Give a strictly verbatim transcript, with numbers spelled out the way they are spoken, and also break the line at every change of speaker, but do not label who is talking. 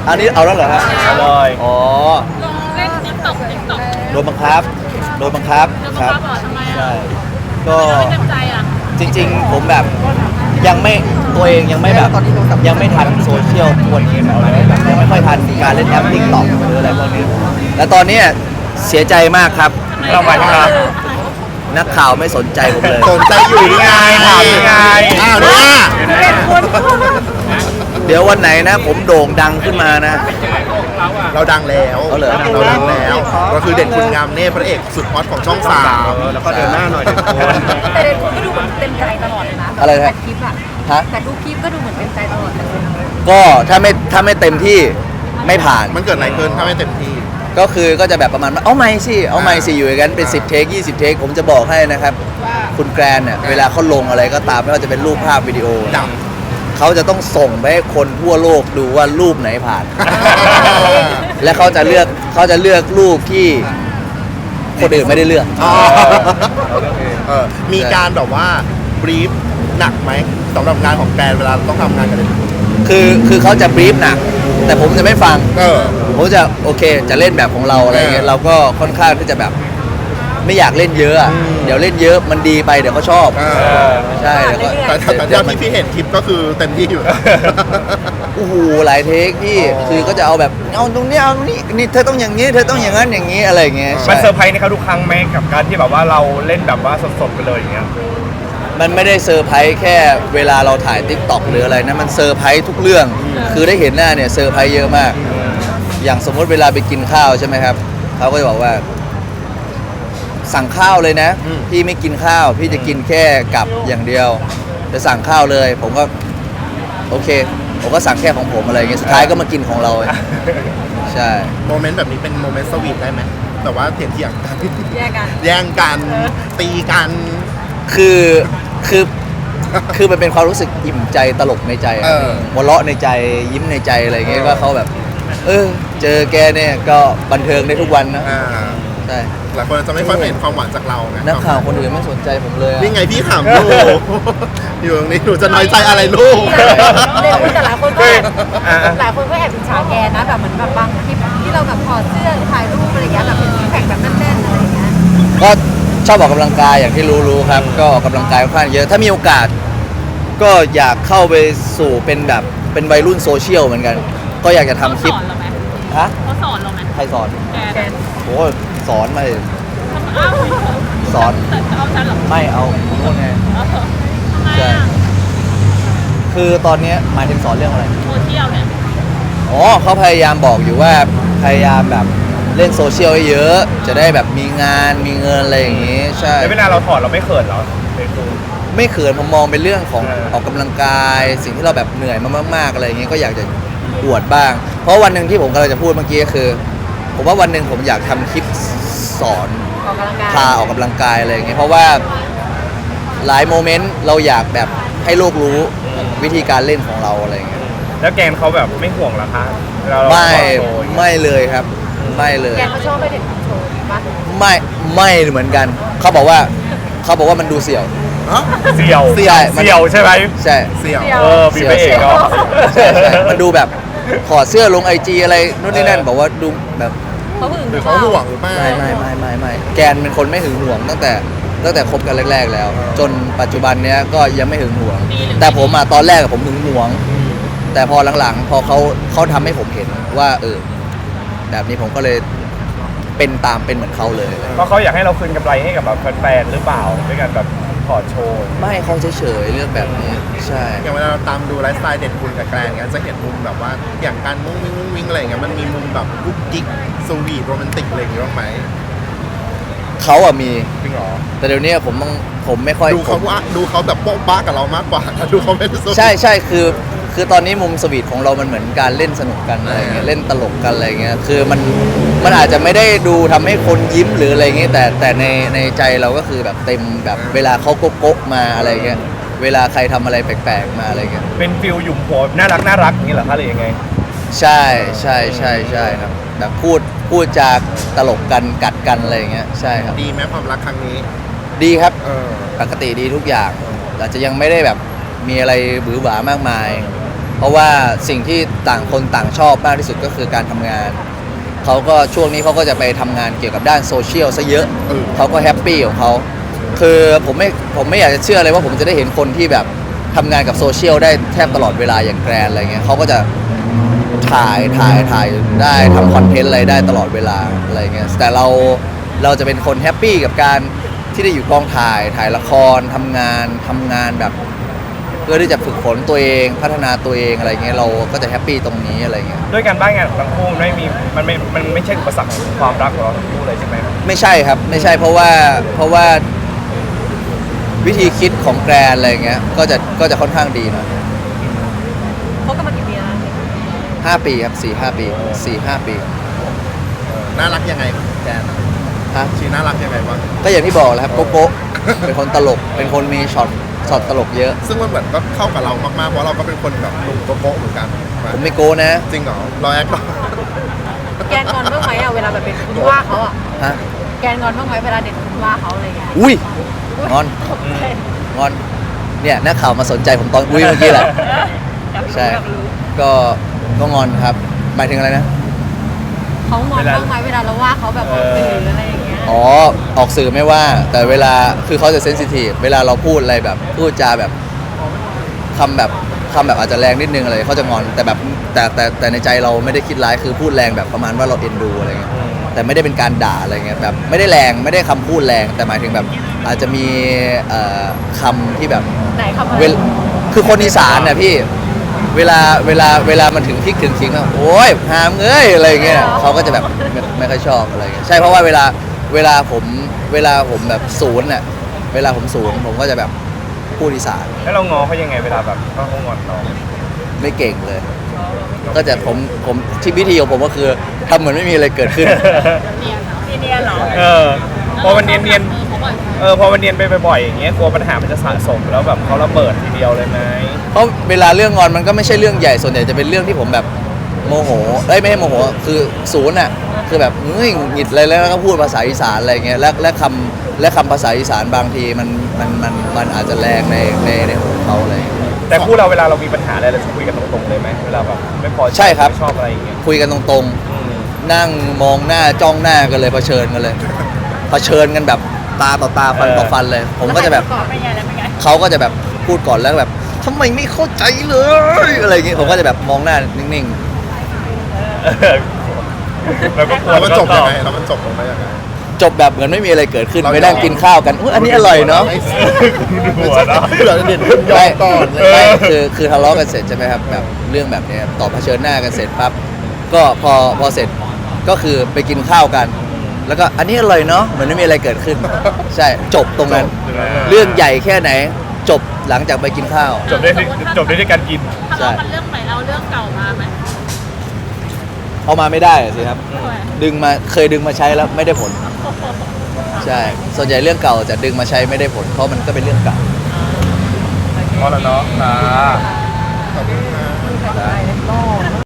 อันนี้เอาแล้วเหรอฮะ
อร่อย
อ๋อ
เล่นติ๊กต็อกติ๊กต็อก
โดนบังคับโดนบังคับ
แล้ว
ค
ก็
รับ
บอกทำไม
ใช่
อ่ะ
ก็
ไม่เต็มใจอ่ะ
จริงๆผมแบบยังไม่ตัวเองยังไม่แบบยังไม่ทันโซเชียลทุกวันนี้แบบยังไม่ค่อยทันการเล่นแอปติ๊กต็อกหรืออะไรพวกนี้แล้วตอนนี้เสียใจมากครับ
เราไปครับ
นักข่าวไม่สนใจผมเลย
สนใจอยู่นี่ไง
ถามยังไง
อ้าวเนี่ย
เดี๋ยววันไหนนะผมโด่งดังขึ้นมานะ
เราดังแล้ว
เอาเหรอ
เราดังแล้วก็คือเด่นคุณงามเน่พระเอกสุดฮอตของช่องสาม
แล้วก็เดินหน้าหน่อยเดินโคน
แต่เด็กคนก็ดูเหมือนเต็มใจตลอดเลยนะ
อะไรนะ
แต่คลิปอะ
ฮะ
แต่ทุกคลิปก็ดูเหมือนเต็มใจตลอดเลย
ก็ถ้าไม่ถ้าไม่เต็มที่ไม่ผ่าน
มันเกิดอะไรขึ้นถ้าไม่เต็มที่
ก็คือก็จะแบบประมาณว่าเอาไม่สิเอาไม่สิอยู่อย่างนั้นเป็นสิบเทคยี่สิบเทคผมจะบอกให้นะครับคุณแกรนเนี่ยเวลาเขาลงอะไรก็ตามไม่ว่าจะเป็นรูปภาพวิดีโอ
ดัง
เขาจะต้องส่งไปให้คนทั่วโลกดูว่ารูปไหนผ่าน และเขาจะเลือกเขาจะเลือกรูปที่คนอื่นไม่ได้เลือก
อ๋อเออมีการแบบว่าบรีฟหนักไหมสำหรับงานของแกรนเวลาต้องทำงานกันเลย
คือคือเขาจะบรีฟหนัก แต่ผมจะไม่ฟัง
เออ
ผมจะโอเคจะเล่นแบบของเราอะไรเงี้ย
เออ
เราก็ค่อนข้างที่จะแบบไม่อยากเล่นเยอะอะ
อืม
เดี๋ยวเล่นเยอะมันดีไปเดี๋ยวเขาชอบ
เอ
เอ
อ
อ
ใช่แล้วก็
แต่แต่แต่ที่พี่เห็นคลิปก็คือเต็มที่อยู่
โอ้โหหลายเทคพี่
อ๋อ
คือก็จะเอาแบบเอาตรงนี้เอาตรงนี้นี่เธอต้องอย่างนี้เธอต้องอย่างนั้นอย่างนี้อะไรเงี้ย
มัน
ใช่
เซอร์ไพรส์ในเขาทุกครั้งไหมกับการที่แบบว่าเราเล่นแบบว่าสดๆไปเลยอย่างเงี้ย
มันไม่ได้เซอร์ไพรส์แค่เวลาเราถ่ายทิกตอกหรืออะไรนะมันเซอร์ไพรส์ทุกเรื่อง คือได้เห็นหน้าเนี่ยเซอร์ไพรส์เยอะมาก อย่างสมมติเวลาไปกินข้าวใช่ไหมครับเขาก็จะบอกว่า สั่งข้าวเลยนะ
อืม
พี่ไม่กินข้าว พี่จะกินแค่กับอย่างเดียวจะสั่งข้าวเลย ผมก็โอเค ผมก็สั่งแค่ของผมอะไรเงี้ยสุดท้ายก็มากินของเรา ใช่
โมเมนต์แบบนี้เป็นโมเมนต์สวีทได้ไหมแต่ว่าเถียงเถียงๆกัน
แยกกัน
แย่งกันตีกัน
คือคือคือมันเป็นความรู้สึกอิ่มใจตลกในใจอะ
เออ
หัวเราะในใจยิ้มในใจอะไรเงี้ย
เออ
ว่าเขาแบบ เออ เจอแกเนี่ยก็บันเทิงได้ทุกวันนะ
อ่า
ใช่
หลายคนจะไม่ค่อยเห็นความหวานจากเราไง
นักข่าวคนอื่นไม่สนใจผมเลยอะ
นี่ไงพี่ถามลูก อยู่ตรงนี้หนูจะน้อยใจอะไรลูก
เด็กแต่หลายคนก็แอบ
อ่า
หลายคนก็แอบอิจฉาแกนะแบบเหมือนแบบบางคลิปที่เราแบบถอดเสื้อหรือถ่ายรูปอะไรอย่างเงี้ยแบบเป็นซิกแพคแบบแน่นๆอะไรอย่างเงี้ย
ก็ชอบออกกำลังกายอย่างที่รู้ๆครับ ก็ออกกำลังกายค่อนข้างเยอะ ถ้ามีโอกาส ก็อยากเข้าไปสู่เป็นแบบเป็นวัยรุ่นโซเชียลเหมือนกัน ก็อยากจะทำคลิป
เขาสอนเราไหม
ฮะ
เขาสอนเราไหม
ใครสอน
แก
แก
นะ
โอ้สอนมาเลย
อ้าว
สอน
แต่จะเอาฉันเหรอ
ไม่เอาผมโน่นไง
เออทำไม
ใช่
อ่ะ
คือตอนเนี้ยหมายถึงสอนเรื่องอะไร
โซเชียลเนี่ย
อ๋อเขาพยายามบอกอยู่ว่าพยายามแบบเล่นโซเชียลให้เยอะ จะได้แบบมีงานมีเงินอะไรอย่างงี้ ใช่
แล้วเวลาเราถอดเราไม่เขินเหรอเฟซบุ๊ก
ไม่เขินผมมองเป็นเรื่องของ
เออ
ออกกำลังกาย สิ่งที่เราแบบเหนื่อยมามากๆอะไรอย่างงี้ก็อยากจะอวดบ้าง เพราะวันหนึ่งที่ผมกำลังจะพูดเมื่อกี้ก็คือ ผมว่าวันหนึ่งผมอยากทำคลิปสอน
ออกกำลังกาย
พาออกกำลังกายอะไรอย่างเงี้ยเพราะว่าหลายโมเมนต์เราอยากแบบให้โลกรู้วิธีการเล่นของเราอะไรอย่างเงี้ย
แล้วแกนเขาแบบไม่ห่วงเหรอคะเวลาเรา
ไม่
ถอดโชว์อย่างเงี้ย
ไม่เลยครับ ไม่เลย
แกก็ชอบไปเด็กโชว์ปะ
ไม่ไม่เหมือนกัน เขาบอกว่าเขาบอกว่ามันดูเสี่ยว
ฮะ
เสี่ยว
เสี่ยวมัน
เสี่ยวใช่ไหม
ใช่
เสี่ยว
เออมีพระเอกเนาะ
ใช่ใช่มันดูแบบถอดเสื้อลงไอจีอะไรนู่นนี่นั่น
เออ
บอกว่าดูแบบ
เขาหึง
หรือเขาห่วงหรือเปล่า
ไม่ไม่ไม่ไม่ไม่แกนเป็นคนไม่หึงหวงตั้งแต่ตั้งแต่คบกันแรก ๆ แล้ว จนปัจจุบันเนี้ยก็ยังไม่หึงหวง แต่ผมอะตอนแรกอะผมหึงหวง แต่พอหลังๆ พอเขาเขาทำให้ผมเห็นว่า เออ แบบนี้ผมก็เลยเป็นตามเป็นเหมือนเขาเลย
เพราะเขาอยากให้เราคืนกำไรให้กับแบบแฟนๆหรือเปล่าด้วยการแบบถอดโชว์
ไม่เขาเฉยๆเรื่องแบบนี้ ใช่
อย่างเวลาเราตามดูไลฟ์สไตล์เด่นคุณกับแกรนเงี้ยจะเห็นมุมแบบว่าอย่างการมุ้งวิ่งมุ้งวิ่งอะไรอย่างเงี้ยมันมีมุมแบบกุ๊กกิ๊กสวีทโรแมนติกอะไรอย่างเงี้ยบ้างไหม
เขาอะมี
จริงเหรอ
แต่เดี๋ยวนี้ผมต้องผมไม่ค่อย
ดูเขา
ผม
ว่าดูเขาแบบโป๊ะบ้ากับเรามากกว่า ดูเขาไม่ได้สวีท
ใช่ใช่คือคือตอนนี้มุมสวีทของเรามันเหมือนการเล่นสนุกกันอะไรเงี้ยเล่นตลกกันอะไรเงี้ยคือมันมันอาจจะไม่ได้ดูทำให้คนยิ้มหรืออะไรเงี้ยแต่แต่ในในใจเราก็คือแบบเต็มแบบเวลาเขาโก๊ะๆมาอะไรเงี้ยเวลาใครทำอะไรแปลกๆมาอะไรเงี้ย
เป็นฟิลหยุ่มหัวน่ารักน่ารักอย่างนี้เหรอคะหรือยังไง
ใช่ใช่ใช่ใช่ครับแบบพูดพูดจากตลกกันกัดกันอะไรเงี้ยใช่ครับ
ดีไหมความรักครั้งนี้
ดีครับ
เออ
ปกติดีทุกอย่างอาจจะยังไม่ได้แบบมีอะไรบือหวามากมายเพราะว่าสิ่งที่ต่างคนต่างชอบมากที่สุดก็คือการทำงานเขาก็ช่วงนี้เขาก็จะไปทำงานเกี่ยวกับด้านโซเชียลซะเยอะ
เออ
เขาก็แฮปปี้ของเขาคือผมไม่ผมไม่อยากจะเชื่อเลยว่าผมจะได้เห็นคนที่แบบทำงานกับโซเชียลได้แทบตลอดเวลาอย่างแกรนอะไรเงี้ยเขาก็จะถ่ายถ่ายถ่ายได้ทำคอนเทนต์อะไรได้ตลอดเวลาอะไรเงี้ยแต่เราเราจะเป็นคนแฮปปี้กับการที่ได้อยู่กองถ่ายถ่ายละครทำงานทำงานแบบเพื่อที่จะฝึกฝนตัวเองพัฒนาตัวเองอะไรเงี้ยเราก็จะแฮปปี้ตรงนี้อะไรเงี้ย
ด้วยการบ้านงานของทั้งคู่ไม่มีมันไม่มันไม่ใช่อุปสรรคของความรักของเราทั้งคู่เลยใช่ไหม
ไม่ใช่ครับไม่ใช่เพราะว่าเพราะว่าวิธีคิดของแกรนอะไรเงี้ยก็จะก็จะค่อนข้างดีหน่อย
คบกันมากี่ปีแล้วนะ
ห้าปีครับสี่ห้าปีสี่ห้าปี
น่ารักยังไงแกน
ฮะ
ชีน่ารักยังไงบ้าง
ก็อย่างที่บอกแหล้วครับโกโก้ เป็นคนตลกเป็นคนมีช็อตช็อตตลกเยอะ
ซึ่งมันเหมือนก็เข้ากับเรามากๆเพราะเราก็เป็นคนแบบหนุ่มโกโก้เหมือนกัน
ผมไม่โก้นะ
จริงเหรอเราแอคหรอ
แกนงอนบ้างไหมอะเวลาแบบเป็นคุณว่าเขาอะ
ฮะ
แกนงอนบ้างไหมเวลาเด็กคุณว่าเขาอะไรอย่างเงี้ย
อุ้ยงอนงอนเนี่ยนักข่าวมาสนใจผมตอนอุ้ยเมื่อกี้แหละใช่ก็ก็งอนครับหมายถึงอะไรนะ
เขางอนบ้างไหมเวลาเราว่าเขาแบบออกสื่ออะไรอย่างเงี้ย
อ๋อออกสื่อไม่ว่า แต่เวลาคือเขาจะเซนซิทีฟเวลาเราพูดอะไรแบบพูดจาแบบคำแบบคำแบบอาจจะแรงนิดนึงอะไรเขาจะงอนแต่แบบแต่แต่แต่ในใจเราไม่ได้คิดร้ายคือพูดแรงแบบประมาณว่าเราเอ็นดูอะไรเงี้ยแต่ไม่ได้เป็นการด่าอะไรเงี้ยแบบไม่ได้แรงไม่ได้คำพูดแรง แต่หมายถึงแบบอาจจะมีเอ่อคำที่แบบ
ไหนคำอะไร
เวลคือคนอีสานน่ะพี่เวลาเวลาเวลามันถึงพริกถึงขิงอะโอ้ยหามเอ้ยอะไรเงี้ยเขาก็จะแบบไม่ไม่ค่อยชอบอะไรเงี้ยใช่เพราะว่าเวลาเวลาผมเวลาผมแบบศูนย์น่ะเวลาผมศูนย์ผมก็จะแบบพูดอีสาน
แล้วเราง้อเขายังไงเวลาแบบเขางอนเรา
ไม่เก่งเลย ก็จะผมผมที่วิธีของผมก็คือทำเหมือนไม่มีอะไรเกิดขึ้น
เนียนเหรอเนียนเหรอ
เออพอมันเนียนเนียน
มือเขาบ่อย
เออพอมันเนียนไปบ่อยๆอย่างเงี้ยกลัวปัญหามันจะสะสมแล้วแบบเขาระเบิดทีเดียวเลยไหม
เพราะเวลาเรื่องงอนมันก็ไม่ใช่เรื่องใหญ่ส่วนใหญ่จะเป็นเรื่องที่ผมแบบโมโหเอ้ยไม่ใช่โมโหคือศูนย์อ่ะคือแบบเฮ้ยหงุดหงิดอะไรแล้วก็พูดภาษาอีสานอะไรเงี้ยและและคำและคำภาษาอีสานบางทีมันมันมันมันอาจจะแรงในในในของเขาอะไรเงี้ย
แต่คู่เราเวลาเรามีปัญหาอะไรเราจะคุยกันตรงๆเลยไหมเวลาแบบไม่พอใจ
ใช่ครับ
ไม่ชอบอะไรอย่างเงี้ย
คุยกันตรง
อืม
ๆ นั่งมองหน้าจ้องหน้ากันเลยเผชิญกันเลยเผชิญกันแบบตาต่อตาฟันต่อฟันเลย ผมก็จะแบบ
เป็นไงแล้วเป็นไง
เขาก็จะแบบพูดก่อนแล้วแบบทำไมไม่เข้าใจเลยอะไรอย่างเงี้ยผมก็จะแบบมองหน้านิ่ง
เออเราก็กลัว
แล้วมันจบยังไง
แล้
แล้วมันจบลงไปยังไง
ๆ จบแบบเหมือนไม่มีอะไรเกิดขึ้น
เรา
ไปนั่งกินข้าวกันอุ๊ยอันนี้อร่อยเนาะ
หัวเนาะ
เราเด่นขึ้นยอมก่อนเลย
ไม่คือคือทะเลาะกันเสร็จใช่ไหมครับแบบเรื่องแบบเนี้ยต่อเผชิญหน้ากันเสร็จปั๊บก็พอพอเสร็จก็คือไปกินข้าวกัน แล้วก็อันนี้อร่อยเนาะเหมือนไม่มีอะไรเกิดขึ้น ใช่จบตรงนั้น เรื่องใหญ่แค่ไหน จบหลังจากไปกินข้าว
จบได้ที่จบได้ด้วยการกิน
ทะเลาะกันเรื่องใหม่เอาเรื่องเก่ามาไหม
เอามาไม่ได้สิครับ
ทำไม
ดึงมาเคยดึงมาใช้แล้วไม่ได้ผล ใช่ ส่วนใหญ่เรื่องเก่าจะดึงมาใช้ไม่ได้ผล เพราะมันก็เป็นเรื่องเก่า
พอแล้วเนาะอ่า
ขอบคุณครับ
ได้แล้วก็